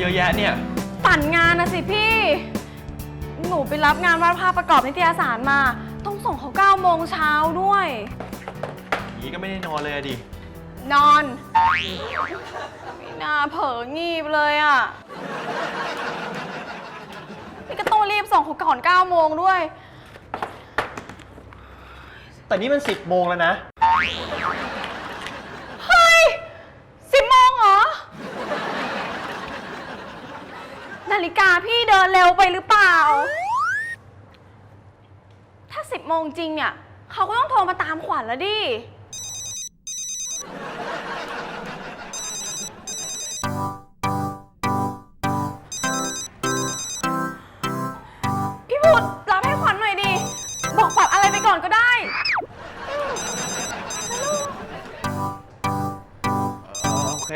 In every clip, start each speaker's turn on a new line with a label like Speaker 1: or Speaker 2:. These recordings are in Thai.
Speaker 1: อะแยะเนี่ย
Speaker 2: ปั่นงานนะสิพี่หนูไปรับงานวาดภาพประกอบนิตยสารมาต้องส่งเขา9 โมงเช้าด้วย
Speaker 1: อย่างนี้ก็ไม่ได้นอนเลยดิ
Speaker 2: นอนไม่น่าเผลองีบเลยอ่ะนี่ก็ต้องรีบส่งเขาก่อน9 โมงด้วย
Speaker 1: แต่นี่มัน10 โมงแล้วนะ
Speaker 2: เฮ้ย10 โมงเหรอนาฬิกาพี่เดินเร็วไปหรือเปล่าถ้า10 โมงจริงเนี่ยเขาก็ต้องโทรมาตามขวัญแล้วดิพี่พุทธรับให้ขวัญหน่อยดิบอกปัดอะไรไปก่อนก็ได้
Speaker 1: โอเค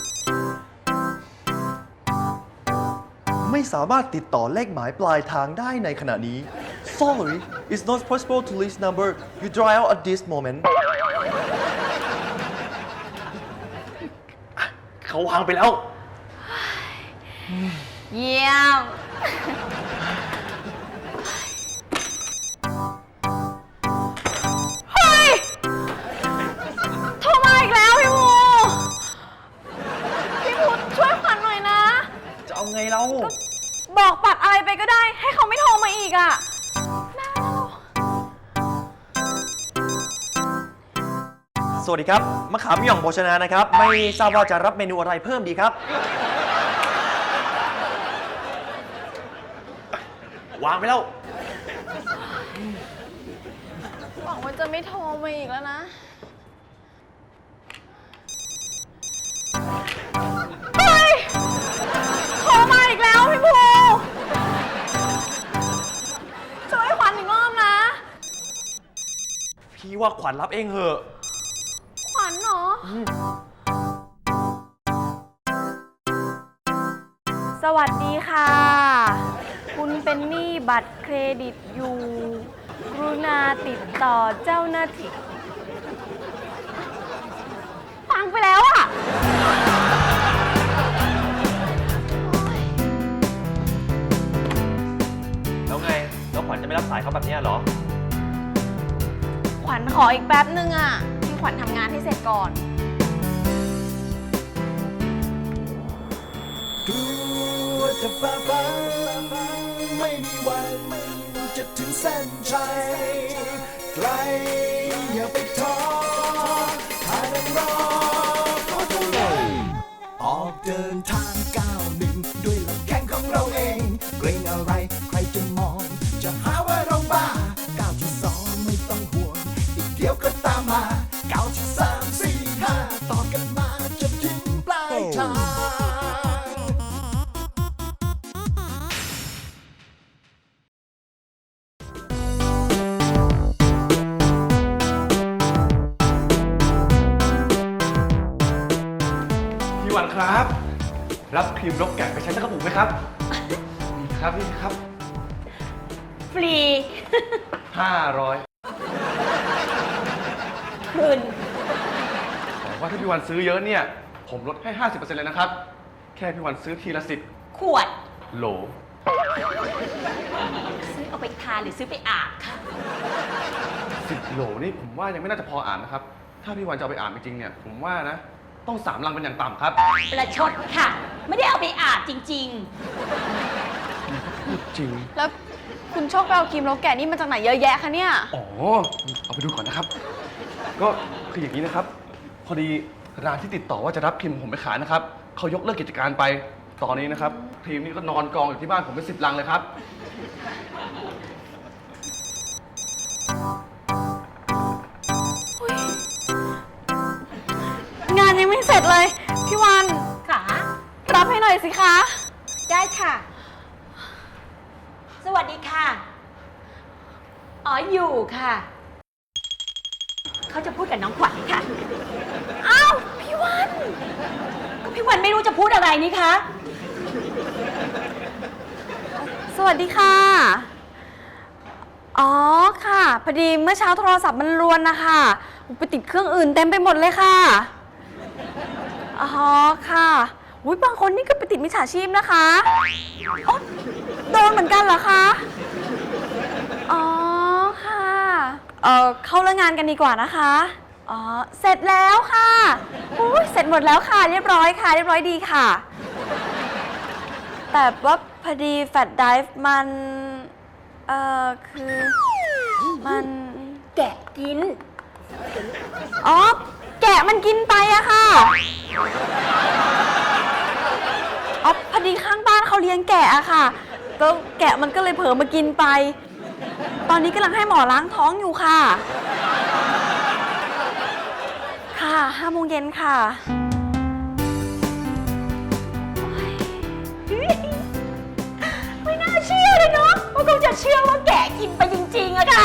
Speaker 3: ไม่สามารถติดต่อเลขหมายปลายทางได้ในขณะนี้ Sorry it's not possible to reach number you dial at this moment
Speaker 1: เขาวางไปแล้ว
Speaker 2: เยี่ยมเฮ้ยโทรมาอีกแล้วพี่ภูช่วยขวัญหน่อยนะ
Speaker 1: จะเอาไงเรา
Speaker 2: บอกปัดอะไรไปก็ได้ให้เขาไม่โทรมาอีกอ่ะ
Speaker 3: สวัสดีครับมะขามหย่องโภชนานะครับไม่ทราบว่าจะรับเมนูอะไรเพิ่มดีครับ
Speaker 1: วางไปแล้ว
Speaker 2: หวังว่าจะไม่โทรมาอีกแล้วนะเฮ้ยโทรมาอีกแล้วพี่ภูช่วยขวัญอีกรอบนะ
Speaker 1: พี่ว่าขวัญรับเองเหอะ
Speaker 2: ขวัญเหรอสวัสดีค่ะคุณเป็นหนี้บัตรเครดิตอยู่กรุณาติดต่อเจ้าหน้าที่ฟังไปแล้วอ่ะ
Speaker 1: แล้วไงแล้วขวัญจะไม่รับสายเขาแบบนี้เหรอ
Speaker 2: ขวัญขออีกแป๊บนึงอ่ะพี่ขวัญทำงานให้เสร็จก่อน
Speaker 4: จะฝ่าฟันไม่มีวันจะถึงเส้นชัยไกลอย่าไปท้อถ้ายังรอขอเท่าไหร่ออกเดินทาง9-1ด้วยลำแข้งของเราเองเกรงอะไรใครจะมองจะหาว่าเราบ้า9.2ไม่ต้องห่วงอีกเดียวก็ตามมา9.3 4 5ต่อกันมาจนถึงปลายทาง
Speaker 1: พี่วันครับรับครีมลบแกะไปใช้สักกระปุกไหมครับนี่ครับนี่ครับ
Speaker 2: ฟรี
Speaker 1: 500
Speaker 2: คืน
Speaker 1: แต่ว่าถ้าพี่วันซื้อเยอะเนี่ยผมลดให้ 50% เลยนะครับแค่พี่วันซื้อทีละ10
Speaker 5: ขวด
Speaker 1: โหล
Speaker 5: ซื้อเอาไปทานหรือซื้อไปอาบค่ะ
Speaker 1: 10 โหลนี่ผมว่ายังไม่น่าจะพออ่านนะครับถ้าพี่วันจะเอาไปอ่านจริงๆเนี่ยผมว่านะต้อง3 ลังเป็นอย่างต่ำครับ
Speaker 5: ประชดค่ะไม่ได้เอาไปอาบจริง
Speaker 1: พูดจริง
Speaker 2: แล้วคุณโชคไปเอาครีมลบแกะนี่มาจากไหนเยอะแยะคะเนี่ย
Speaker 1: อ๋อเอาไปดูก่อนนะครับก็คืออย่างนี้นะครับพอดีร้านที่ติดต่อว่าจะรับครีมผมไปขายนะครับเขายกเลิกกิจการไปตอนนี้นะครับครีมนี่ก็นอนกองอยู่ที่บ้านผมเป็น10 ลังเลยครับ
Speaker 2: งานยังไม่เสร็จเลยพี่วัน
Speaker 5: ค่ะ
Speaker 2: รับให้หน่อยสิคะ
Speaker 5: ได้ค่ะสวัสดีค่ะอ๋ออยู่ค่ะเขาจะพูดกับน้องขวัญค่ะ
Speaker 2: อ้าวพี่วัน
Speaker 5: ก็พี่วันไม่รู้จะพูดอะไรนี่คะ
Speaker 2: สวัสดีค่ะอ๋อค่ะพอดีเมื่อเช้าโทรศัพท์มันรวนนะคะไปติดเครื่องอื่นเต็มไปหมดเลยค่ะอ๋อค่ะอุ้ยบางคนนี่ก็ไปติดมิจฉาชีพนะคะอ๋อโดนเหมือนกันเหรอคะ อ๋อค่ะ เข้าเรื่องงานกันดีกว่านะคะ อ๋อ เสร็จแล้วค่ะอุ้ยเสร็จหมดแล้วค่ะ เรียบร้อยค่ะ เรียบร้อยดีค่ะ แต่ว่าพอดีแฟลชไดรฟ์มัน คือมัน
Speaker 5: แกะกิน
Speaker 2: อ๋อ แกะมันกินไปอะค่ะ อ๋อ พอดีข้างบ้านเขาเลี้ยงแกะอะค่ะก็แกะมันก็เลยเผลอมากินไป ตอนนี้กำลังให้หมอล้างท้องอยู่ค่ะ ค่ะ5 โมงเย็นค่ะ
Speaker 5: ไม่น่าเชื่อเลยเนาะว่าเขาจะเชื่อว่าแกะกินไปจริงๆอะค่ะ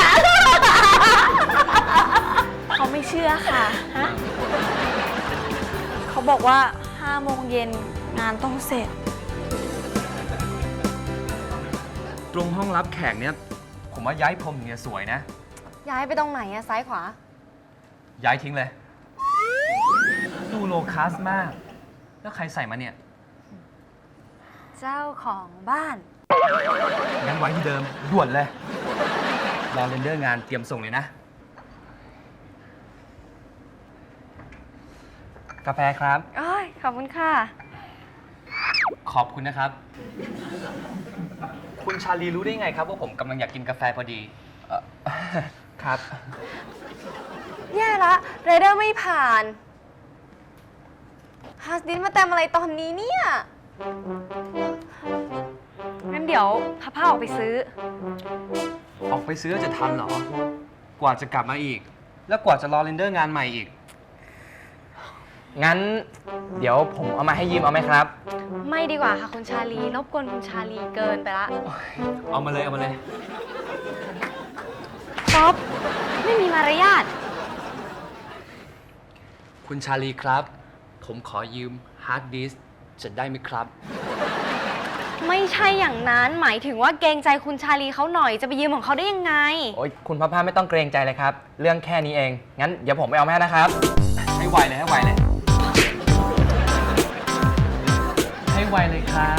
Speaker 2: เขาไม่เชื่อค่ะ
Speaker 5: ฮะ
Speaker 2: เขาบอกว่า5 โมงเย็นงานต้องเสร็จ
Speaker 6: ตรงห้องรับแขกเนี่ย ผมว่าย้ายพรมเนี่ยสวยนะ
Speaker 7: ย้ายไปตรงไหนอะซ้ายขวา
Speaker 6: ย้ายทิ้งเลย ดูโลคัสมาก แล้วใครใส่มาเนี่ย
Speaker 7: เจ้าของบ้าน
Speaker 6: งั้นไว้ที่เดิม ด่วนเลย รอเรนเดอร์งานเตรียมส่งเลยนะ กาแฟครับ
Speaker 2: อ้ยขอบคุณค่ะ
Speaker 6: ขอบคุณนะครับ คุณชาลีรู้ได้ไงครับว่าผมกำลังอยากกินกาแฟพอดีครับ
Speaker 7: แย่ละเรเดอร์ไม่ผ่านฮัสดินมาเต็มอะไรตอนนี้เนี่ย
Speaker 2: งั้นเดี๋ยวพาผ้าออกไปซื้อ
Speaker 6: ออกไปซื้อจะทันเหรอ กว่าจะกลับมาอีก แล้วกว่าจะรอเรนเดอร์งานใหม่อีก งั้น เดี๋ยวผมเอามาให้ยืมเอาไหมครับ
Speaker 7: ไม่ดีกว่าค่ะคุณชาลีรบกวนคุณชาลีเกินไปละ
Speaker 6: เอามาเลยเอามาเลย
Speaker 7: ป๊อปไม่มีมารยาท
Speaker 6: คุณชาลีครับ ผมขอยืมฮาร์ดดิสก์จะได้ไหมครับ
Speaker 7: ไม่ใช่อย่างนั้นหมายถึงว่าเกรงใจคุณชาลีเขาหน่อยจะไปยืมของเขาได้ยังไง
Speaker 6: โอ๊ยคุณพ่อไม่ต้องเกรงใจเลยครับ เรื่องแค่นี้เอง งั้นเดี๋ยวผมไปเอาแม่นะครับ ให้ไวเลยให้ไวเลย ให้ไวเลยครับ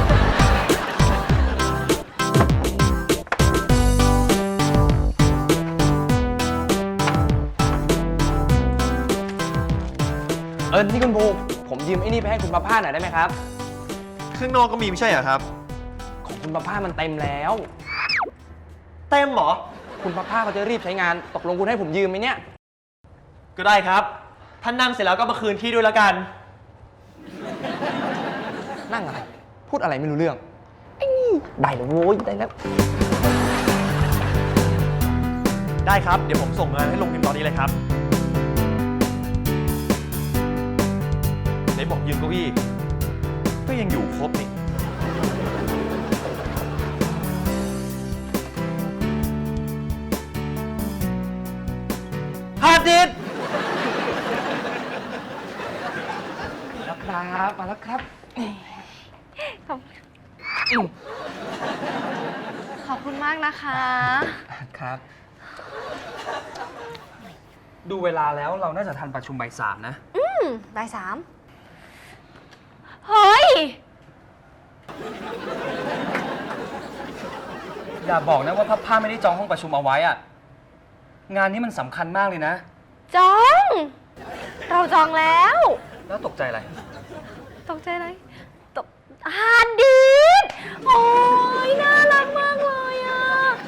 Speaker 6: นี่คุณภูผมยืมไอ้นี่ไปให้คุณป้าผ้าหน่อยได้ไหมครับ
Speaker 3: ข้างนอกก็มีไม่ใช่เหรอครับ
Speaker 6: ของคุณป้าผ้ามันเต็มแล้ว
Speaker 3: เต็มเหรอ
Speaker 6: คุณป้าผ้าเขาจะรีบใช้งาน ตกลงคุณให้ผมยืมไหมเนี่ย
Speaker 3: ก็ได้ครับ ท่านนั่งเสร็จแล้วก็มาคืนที่ด้วยแล้วกัน
Speaker 6: นั่งอะไร พูดอะไรไม่รู้เรื่องไอ้นี่ได้แล้วโว้ยได้แล้ว
Speaker 3: ได้ครับ เดี๋ยวผมส่งงานให้ลงพิมพ์ตอนนี้เลยครับไหนบอกยืมเก้าอี้ก็ยังอยู่ครบนี่ ฮาร์ดดิสก์
Speaker 6: แล้วครับมาแล้วครับ
Speaker 7: ขอบคุณมากนะคะ
Speaker 6: ครับ ดูเวลาแล้วเราน่าจะทันประชุมบ่าย 3นะ
Speaker 7: บ่ายสาม
Speaker 2: เฮ้ย
Speaker 6: อย่าบอกนะว่าผ้าไม่ได้จองห้องประชุมเอาไว้อะงานนี้มันสำคัญมากเลยนะ
Speaker 7: จอง เราจองแล้ว
Speaker 6: แล้วตกใจอะไร
Speaker 7: ตกใจอะไรตกฮาร์ดดิสก์โอ้ยน่ารักมากเลยอ่ะ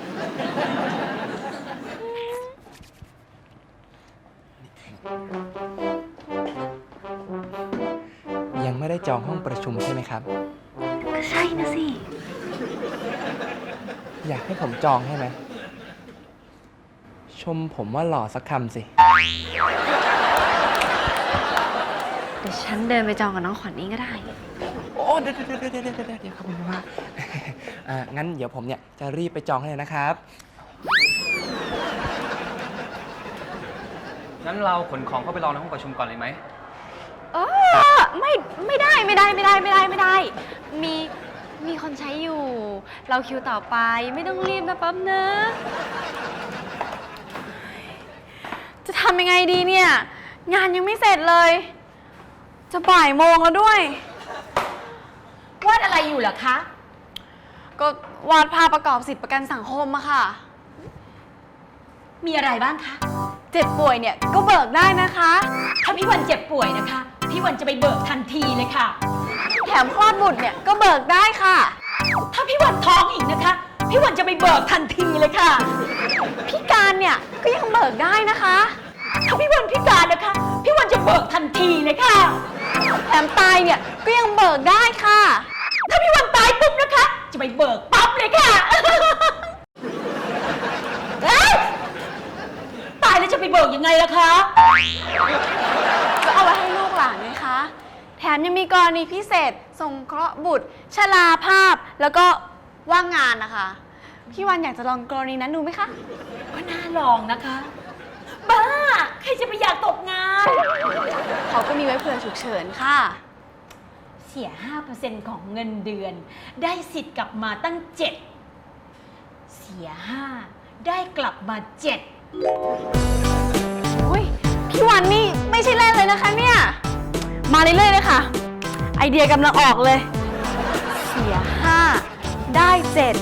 Speaker 6: ยังไม่ได้จองห้องประชุมใช่ไหมครับ
Speaker 7: ก็ใช่นะสิ
Speaker 6: อยากให้ผมจองให้ไหม ชมผมว่าหล่อสักคำสิ
Speaker 7: เดี๋ยวฉันเดินไปจองกับน้องขวัญเองก็ได้
Speaker 6: โอ้เดี๋ยวครับคุณว่า งั้นเดี๋ยวผมเนี่ยจะรีบไปจองให้เลยนะครับ งั้นเราขนของเข้าไปรอในห้องประชุมก่อนเลยไหม
Speaker 7: ไม่ได้ มีคนใช้อยู่ เราคิวต่อไปไม่ต้องรีบนะปั๊บนะ
Speaker 2: จะทำยังไงดีเนี่ย งานยังไม่เสร็จเลย จะบ่ายโมงแล้วด้วย
Speaker 5: วาดอะไรอยู่เหรอคะ
Speaker 2: ก็วาดภาพประกอบสิทธิประกันสังคมอะค่ะ
Speaker 5: มีอะไรบ้างคะ
Speaker 2: เจ็บป่วยเนี่ยก็เบิกได้นะคะ
Speaker 5: ถ้าพี่วันเจ็บป่วยนะคะ พี่วันจะไปเบิกทันทีเลยค่ะ
Speaker 2: แถมคลอดบุตรเนี่ยก็เบิกได้ค่ะ
Speaker 5: ถ้าพี่วันท้องอีกนะคะ พี่วันจะไปเบิกทันทีเลยค่ะ
Speaker 2: พิการเนี่ยก็ยังเบิกได้นะคะ
Speaker 5: ถ้าพี่วันพิการนะคะ พี่วันจะเบิกทันทีเลยค่ะ
Speaker 2: แถมตายเนี่ยก็ยังเบิกได้ค่ะ
Speaker 5: ถ้าพี่วันตายปุ๊บนะคะ จะไปเบิกปั๊บเลยค่ะ เอ้ยตายแล้วจะไปเบิกยังไงล่ะคะ
Speaker 2: ก็เอาไว้ให้ลูกหลานไงคะ แถมยังมีกรณีพิเศษสงเคราะห์บุตร ชราภาพ แล้วก็ว่างงานนะคะ พี่วันอยากจะลองกรณีนั้นดูไหมคะ
Speaker 5: ก็น่าลองนะคะ บ้า ใครจะไปอยากตกงาน
Speaker 2: เขาก็มีไว้เผื่อฉุกเฉินค่ะ
Speaker 5: เสีย 5% ของเงินเดือน ได้สิทธิ์กลับมาตั้ง 7 เสีย 5 ได้กลับมา 7
Speaker 2: โอ้ยพี่วันนี่ไม่ใช่เล่นเลยนะคะเนี่ย มาเรื่อยๆเลยค่ะ ไอเดียกำลังออกเลย เสีย 5 ได้ 7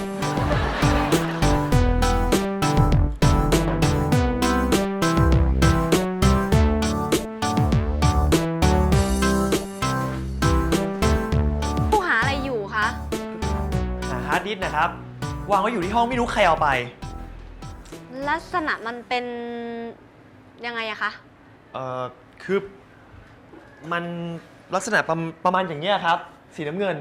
Speaker 2: ผู้หาอะไรอยู่คะ
Speaker 3: หาฮาร์ดดิสก์นะครับ วางไว้อยู่ที่ห้องไม่รู้ใครเอาไป
Speaker 2: ลักษณะมันเป็นยังไงอะคะ
Speaker 3: คือมันลักษณะประมาณอย่างเงี้ยครับ สีน้ำเงิน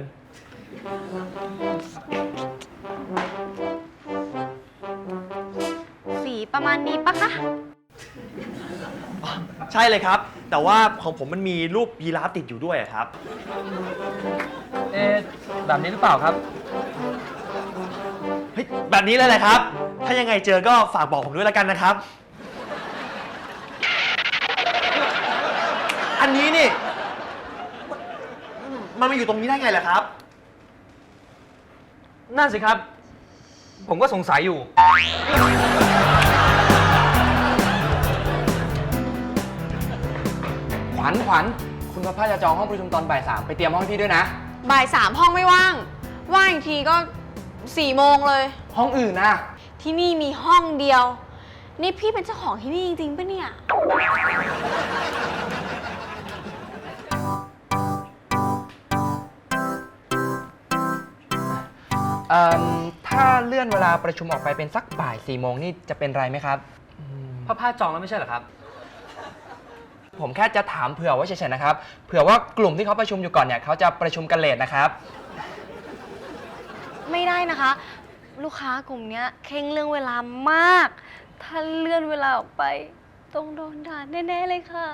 Speaker 2: สีประมาณนี้ปะคะ
Speaker 3: ใช่เลยครับ แต่ว่าของผมมันมีรูปยีราฟติดอยู่ด้วยอะครับ
Speaker 6: แบบนี้หรือเปล่าครับ
Speaker 3: เฮ้ยแบบนี้เลยแหละครับ ถ้ายังไงเจอก็ฝากบอกผมด้วยแล้วกันนะครับ อันนี้นี่มันมาอยู่ตรงนี้ได้ไงล่ะครับ
Speaker 6: นั่นสิครับ ผมก็สงสัยอยู่ ขวัญ คุณพระพาจะจองห้องประชุมตอนบ่าย 3ไปเตรียมห้องให้พี่ด้วยนะ
Speaker 2: บ่าย 3 ห้องไม่ว่าง ว่างอีกทีก็ 4 โมงเลย
Speaker 6: ห้องอื่นนะ
Speaker 2: ที่นี่มีห้องเดียว นี่พี่เป็นเจ้าของที่นี่จริงๆปะเนี่ย
Speaker 6: ถ้าเลื่อนเวลาประชุมออกไปเป็นสักบ่าย 4 โมงนี่จะเป็นไรไหมครับพระพาจองแล้วไม่ใช่เหรอครับ ผมแค่จะถามเผื่อไว้เฉยๆนะครับ เผื่อว่ากลุ่มที่เขาประชุมอยู่ก่อนเนี่ยเขาจะประชุมกันเลทนะครับ
Speaker 7: ไม่ได้นะคะ ลูกค้ากลุ่มเนี้ยเคร่งเรื่องเวลามาก ถ้าเลื่อนเวลาออกไปต้องโดนด่าแน่ๆเลยค่ะ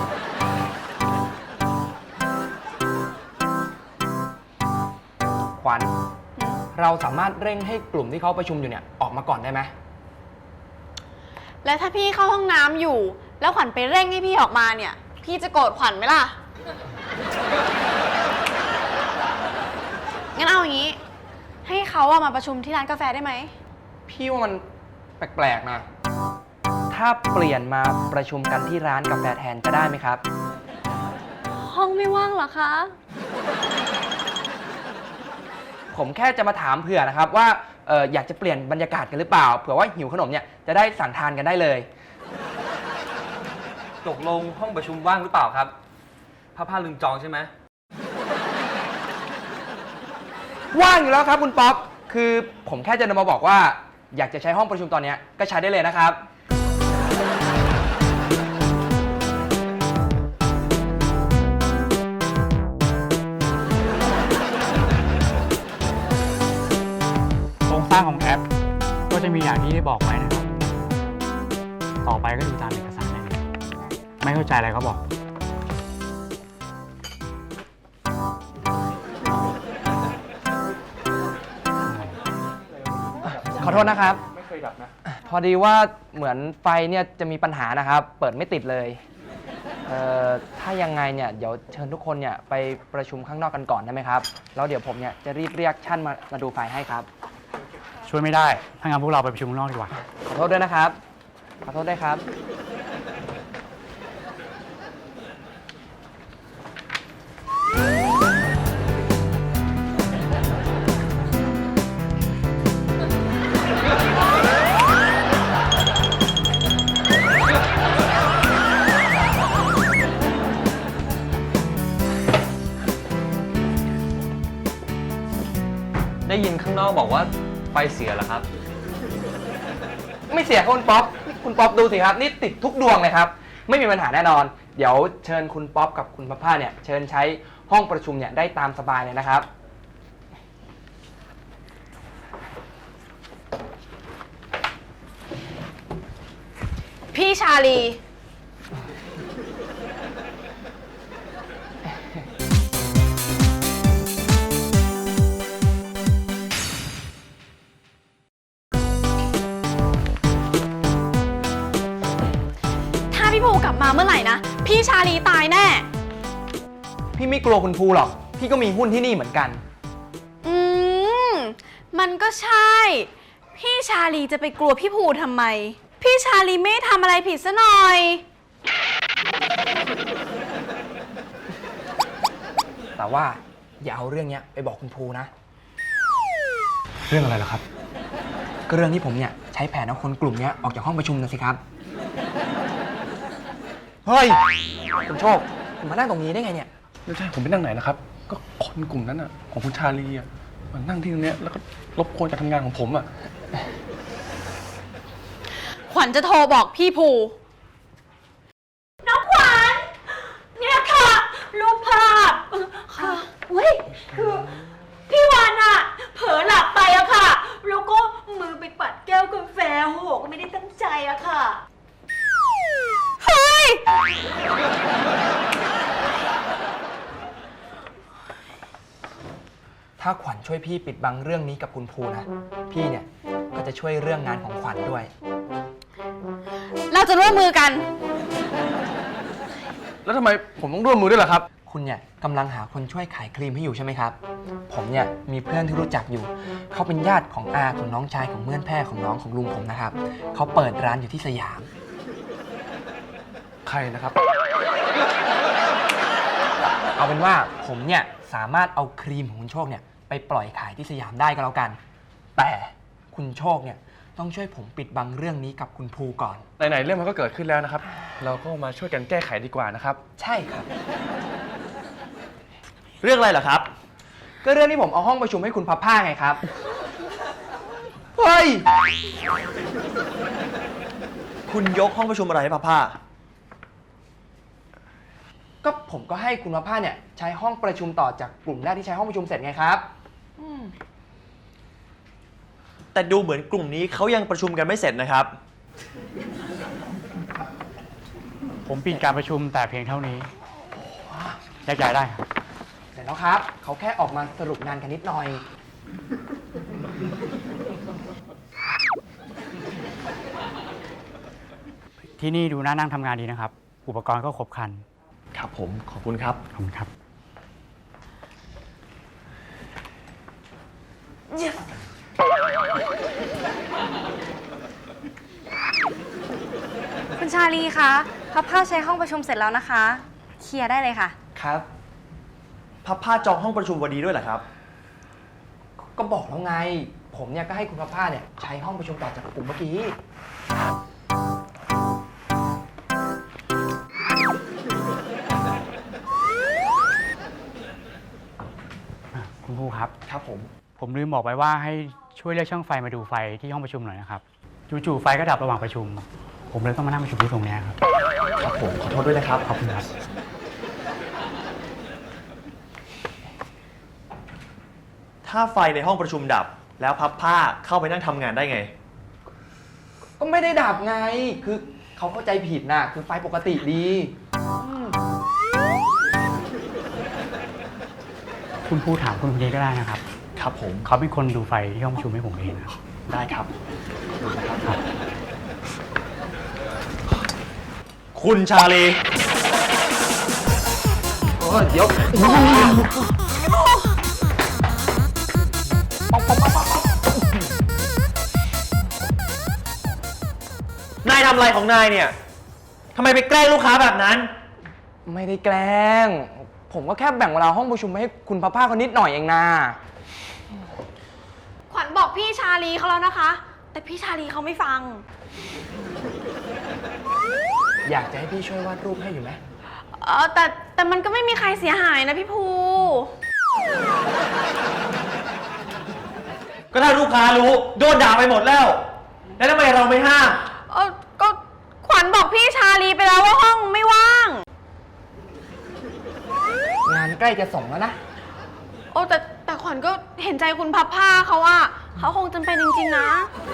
Speaker 6: ขวัญ เราสามารถเร่งให้กลุ่มที่เขาประชุมอยู่เนี่ยออกมาก่อนได้ไหม
Speaker 2: แล้วถ้าพี่เข้าห้องน้ำอยู่ แล้วขวัญไปเร่งให้พี่ออกมาเนี่ย พี่จะโกรธขวัญไหมล่ะ งั้นเอาอย่างนี้ ให้เขาอะมาประชุมที่ร้านกาแฟได้ไหม
Speaker 6: พี่ว่ามันแปลกๆนะ ถ้าเปลี่ยนมาประชุมกันที่ร้านกาแฟแทนจะได้ไหมครับ
Speaker 7: ห้องไม่ว่างเหรอคะ
Speaker 6: ผมแค่จะมาถามเผื่อนะครับว่าอยากจะเปลี่ยนบรรยากาศกันหรือเปล่า เผื่อว่าหิวขนมเนี่ยจะได้สั่งทานกันได้เลย
Speaker 8: ตกลงห้องประชุมว่างหรือเปล่าครับพระพาลืมจองใช่ไหม
Speaker 6: ว่างอยู่แล้วครับคุณป๊อป คือผมแค่จะมาบอกว่าอยากจะใช้ห้องประชุมตอนนี้ก็ใช้ได้เลยนะครับ
Speaker 9: โครงสร้างของแอปก็จะมีอย่างที่ได้บอกไว้นะครับ ต่อไปก็ดูตามเอกสารได้เลยไม่เข้าใจอะไรก็บอก
Speaker 6: ขอโทษนะครับ ไม่เคยดับนะ พอดีว่าเหมือนไฟเนี่ยจะมีปัญหานะครับ เปิดไม่ติดเลยถ้ายังไงเนี่ยเดี๋ยวเชิญทุกคนเนี่ยไปประชุมข้างนอกกันก่อนได้ไหมครับ แล้วเดี๋ยวผมเนี่ยจะรีบเรียกช่างมาดูไฟให้ครับ
Speaker 9: ช่วยไม่ได้ ถ้างั้นพวกเราไปประชุมข้างนอกดีกว่า
Speaker 6: ขอโทษด้วยนะครับ ขอโทษด้วยครับ
Speaker 4: เ
Speaker 8: บอกว่าไฟเสียเหรอครับ
Speaker 6: ไม่เสียครับคุณป๊อปคุณป๊อปดูสิครับ นี่ติดทุกดวงเลยครับ ไม่มีปัญหาแน่นอน เดี๋ยวเชิญคุณป๊อปกับคุณพัพผ้าเนี่ย เชิญใช้ห้องประชุมเนี่ยได้ตามสบายเลยนะครับ
Speaker 2: พี่ชาลี ถ้าพี่ภูกลับมาเมื่อไหร่นะ พี่ชาลีตายแน่
Speaker 6: พี่ไม่กลัวคุณภูหรอก พี่ก็มีหุ้นที่นี่เหมือนกัน
Speaker 2: อืม มันก็ใช่ พี่ชาลีจะไปกลัวพี่ภูทำไม พี่ชาลีไม่ทำอะไรผิดซะหน่อย
Speaker 6: แต่ว่าอย่าเอาเรื่องเนี้ยไปบอกคุณภูนะ
Speaker 1: เรื่องอะไรล่ะครับ
Speaker 6: ก็เรื่องที่ผมเนี่ยใช้แผนเอาคนกลุ่มเนี้ยออกจากห้องประชุมนะสิครับ เฮ้ย คุณโชคคุณมานั่งตรงนี้ได้ไงเนี่ย
Speaker 1: ไม่ใช่ผมไปนั่งไหนนะครับ ก็คนกลุ่มนั้นอ่ะของคุณชาลีอ่ะมันนั่งที่ตรงเนี้ยแล้วก็รบกวนการทำงานของผมอ่ะ
Speaker 2: ขวัญจะโทรบอกพี่ภู
Speaker 5: น้องขวัญเนี่ยค่ะ รูปภาพค่ะเฮ้ยคือพี่วานอะเผลอหลับไปอะค่ะ แล้วก็มือไปปัดแก้วกาแฟโหก็ไม่ได้ตั้งใจอะค่ะ
Speaker 2: เฮ้ย
Speaker 6: ถ้าขวัญช่วยพี่ปิดบังเรื่องนี้กับคุณภูนะ พี่เนี่ยก็จะช่วยเรื่องงานของขวัญด้วย
Speaker 2: เราจะร่วมมือกัน
Speaker 1: แล้วทำไมผมต้องร่วมมือด้วยล่ะครับ
Speaker 6: คุณเนี่ยกำลังหาคนช่วยขายครีมให้อยู่ใช่ไหมครับ ผมเนี่ยมีเพื่อนที่รู้จักอยู่ เขาเป็นญาติของอาของน้องชายของเมื่อนแพร่ของน้องของลุงผมนะครับ เขาเปิดร้านอยู่ที่สยาม
Speaker 1: ใครนะครับ
Speaker 6: เอาเป็นว่าผมเนี่ยสามารถเอาครีมของคุณโชคเนี่ยไปปล่อยขายที่สยามได้ก็แล้วกัน แต่คุณโชคเนี่ยต้องช่วยผมปิดบังเรื่องนี้กับคุณภูก่อน
Speaker 1: ไหนๆเรื่องมันก็เกิดขึ้นแล้วนะครับ เราก็มาช่วยกันแก้ไขดีกว่านะครับ
Speaker 6: ใช่ครับ
Speaker 3: เรื่องอะไรเหรอครับ
Speaker 6: ก็เรื่องที่ผมเอาห้องประชุมให้คุณพัพผ้าไงครับ เฮ้ย
Speaker 3: คุณยกห้องประชุมอะไรให้พัพผ้า
Speaker 6: ก็ผมก็ให้คุณพัพผ้าเนี่ยใช้ห้องประชุมต่อจากกลุ่มแรกที่ใช้ห้องประชุมเสร็จไงครับ
Speaker 3: แต่ดูเหมือนกลุ่มนี้เขายังประชุมกันไม่เสร็จนะครับ
Speaker 9: ผมปิดการประชุมแต่เพียงเท่านี้แยกย้ายได้ครับ
Speaker 6: เดี๋ยวนะครับ เขาแค่ออกมาสรุปงานกันนิดหน่อย
Speaker 9: ที่นี่ดูน่านั่งทำงานดีนะครับ อุปกรณ์ก็ครบครัน
Speaker 3: ครับผม ขอบคุณครับ
Speaker 9: ขอบคุณครับ
Speaker 7: คุณชาลีคะพับผ้าใช้ห้องประชุมเสร็จแล้วนะคะ เคลียร์ได้เลยค่ะ
Speaker 6: ครับ
Speaker 3: พัพผ้าจองห้องประชุมวันนี้ด้วยเหรอครับ
Speaker 6: ก็บอกแล้วไง ผมเนี่ยก็ให้คุณพัพผ้าเนี่ยใช้ห้องประชุมต่อจากกลุ่มเมื่อกี้
Speaker 9: คุณภูครับ
Speaker 3: ครับผม
Speaker 9: ผมลืมบอกไปว่าให้ช่วยเรียกช่างไฟมาดูไฟที่ห้องประชุมหน่อยนะครับ จู่ๆไฟก็ดับระหว่างประชุม ผมเลยต้องมานั่งประชุมที่ตรงเนี้ยครับ
Speaker 3: ครับผม ขอโทษด้วยนะครับ
Speaker 9: ขอบคุณครับ
Speaker 3: ถ้าไฟในห้องประชุมดับ แล้วพับผ้าเข้าไปนั่งทำงานได้ไง
Speaker 6: ก็ไม่ได้ดับไง คือเขาเข้าใจผิดนะคือไฟปกติดี
Speaker 9: คุณภูถามคุณคนนี้ก็ได้นะครับ
Speaker 3: ครับผม
Speaker 9: เขาเป็นคนดูไฟที่ห้องประชุมให้ผมเองนะครับ
Speaker 3: ได้ครับ คุณชาลี
Speaker 6: เดี๋ยว
Speaker 3: นายทำอะไรของนายเนี่ย ทำไมไปแกล้งลูกค้าแบบนั้น
Speaker 6: ไม่ได้แกล้ง ผมก็แค่แบ่งเวลาห้องประชุมให้คุณพัพผ้าเขานิดหน่อยเองนะ
Speaker 2: ขวัญบอกพี่ชาลีเขาแล้วนะคะ แต่พี่ชาลีเขาไม่ฟัง
Speaker 6: อยากจะให้พี่ช่วยวาดรูปให้อยู่ไหม
Speaker 2: แต่มันก็ไม่มีใครเสียหายนะพี่ภู
Speaker 3: ก็ถ้าลูกค้ารู้โดนด่าไปหมดแล้ว แล้วทำไมเราไม่ห้าม
Speaker 2: ก็ขวัญบอกพี่ชาลีไปแล้วว่าห้องไม่ว่าง
Speaker 6: งานใกล้จะส่งแล้วนะ
Speaker 2: แต่ขวัญก็เห็นใจคุณพับผ้าเขาอะเขาคงจำเป็นจริงๆนะ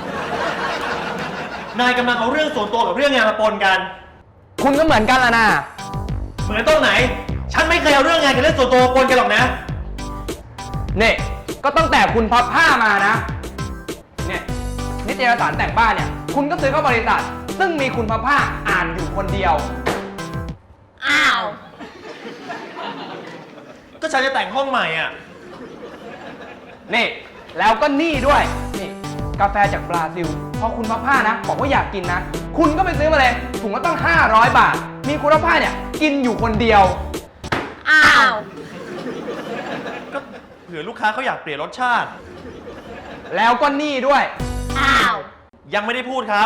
Speaker 3: นายกำลังเอาเรื่องส่วนตัวกับเรื่องงานมาปนกัน
Speaker 6: คุณก็เหมือนกันละนะ
Speaker 3: เหมือนตรงไหน ฉันไม่เคยเอาเรื่องงานกับเรื่องส่วนตัวมาปนกันหรอกนะ
Speaker 6: เนี่ยก็ตั้งแต่คุณพับผ้ามานะ เนี่ยนิตยสารแต่งบ้านเนี่ย คุณก็ซื้อเข้าบริษัท ซึ่งมีคุณพับผ้าอ่านอยู่คนเดียว
Speaker 2: อ้าว
Speaker 3: ก็ฉันจะแต่งห้องใหม่อ่ะ
Speaker 6: นี่แล้วก็นี่ด้วยนี่กาแฟจากบราซิลพอคุณพับผ้านะบอกว่าอยากกินนะ คุณก็ไปซื้อมาเลยถุงละต้อง500 บาท มีคุณพับผ้าเนี่ยกินอยู่คนเดียว
Speaker 2: อ้าว
Speaker 3: ก็เผื่อลูกค้าเขาอยากเปลี่ยนรสชาติ
Speaker 6: แล้วก็นี่ด้วย
Speaker 2: อ้าว
Speaker 3: ยังไม่ได้พูดครับ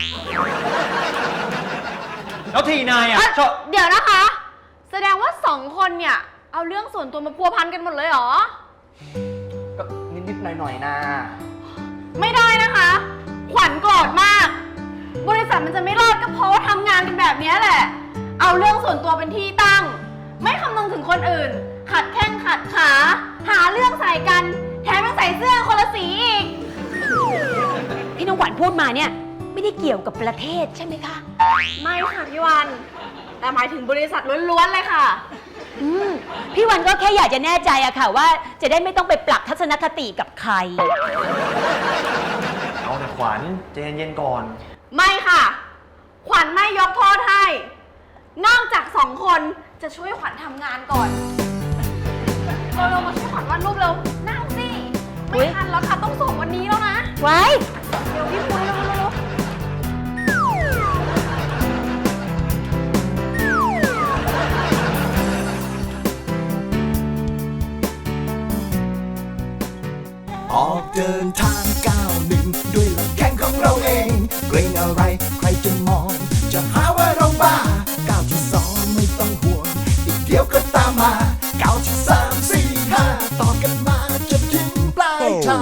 Speaker 3: แล้วทีนายอ่ะชอบ
Speaker 2: เดี๋ยวนะคะ แสดงว่า2 คนเนี่ย เอาเรื่องส่วนตัวมาพัวพันกันหมดเลยเหรอ
Speaker 6: ก็นิดๆหน่อยๆนะ
Speaker 2: ไม่ได้นะคะ ขวัญโกรธมาก บริษัทมันจะไม่รอดก็เพราะว่าทำงานกันแบบนี้แหละ เอาเรื่องส่วนตัวเป็นที่ตั้ง ไม่คำนึงถึงคนอื่น ขัดแข้งขัดขา หาเรื่องใส่กัน แถมยังใส่เสื้อคนละสีอีก
Speaker 5: ที่น้องขวัญพูดมาเนี่ย ไม่ได้เกี่ยวกับประเทศใช่ไหมคะ
Speaker 2: ไม่ค่ะพี่วัน แต่หมายถึงบริษัทล้วนๆเลยค่ะ
Speaker 5: พี่วันก็แค่อยากจะแน่ใจอะค่ะว่าจะได้ไม่ต้องไปปรับทัศนคติกับใคร
Speaker 3: เอาแต่ขวัญใจเย็นๆก่อน
Speaker 2: ไม่ค่ะ ขวัญไม่ยกโทษให้ นอกจาก2 คนจะช่วยขวัญทำงานก่อนเรามาช่วยขวัญวาดรูปเร็วนั่งสิ ไม่ทันแล้วค่ะ ต้องส่งวันนี้แล้วนะ
Speaker 5: ไว้
Speaker 2: เดี๋ยวพี่พูดเร็วๆ
Speaker 4: ออกเดินทางก้าวหนึ่งด้วยลำแข้งของเราเอง เกรงอะไรใครจะมอง จะหาว่าเราบ้าก้าวที่2ไม่ต้องห่วง อีกเดียวก็ตามมาก้าวที่3 4 5ต่อกันมาจนถึงปลายทาง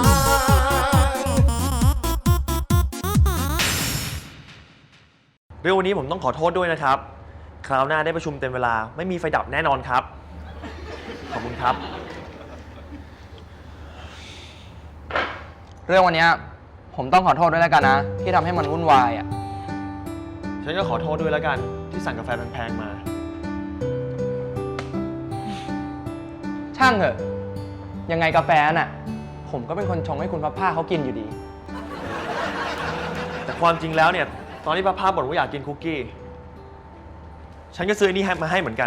Speaker 3: เรื่องวันนี้ผมต้องขอโทษด้วยนะครับ คราวหน้าได้ประชุมเต็มเวลาไม่มีไฟดับแน่นอนครับ ขอบคุณครับ
Speaker 6: เรื่องวันเนี้ยผมต้องขอโทษด้วยแล้วกันนะ ที่ทำให้มันวุ่นวายอ่ะ
Speaker 3: ฉันก็ขอโทษด้วยแล้วกันที่สั่งกาแฟแพงๆมา
Speaker 6: ช่างเถอะ ยังไงกาแฟน่ะ ผมก็เป็นคนชงให้คุณพับผ้าเขากินอยู่ดี
Speaker 3: แต่ความจริงแล้วเนี่ย ตอนที่ป้าบ่นว่าอยากกินคุกกี้ ฉันก็ซื้ออนนี้มาให้เหมือนกัน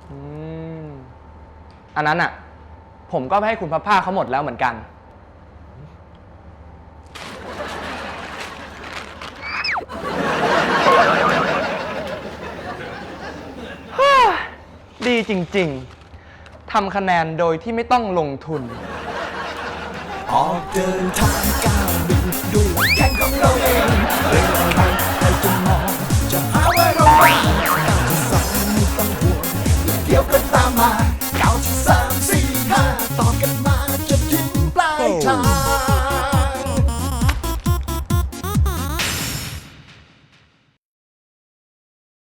Speaker 6: อันนั้นอ่ะ ผมก็ไปให้คุณพับผ้าเขาหมดแล้วเหมือนกัน ดีจริงๆ ทำคะแนนโดยที่ไม่ต้องลงทุน
Speaker 4: ออกเดินทางก้าวหนึ่งด้วยลำแข้งของเราเองเรื่องอะไรใครจะมอง จะหาว่าเราบ้าก้าวที่2ไม่ต้องห่วง อีกเดียวก็ตามมาก้าวที่3 4 5ต่อกันมาจนถึงปลายทาง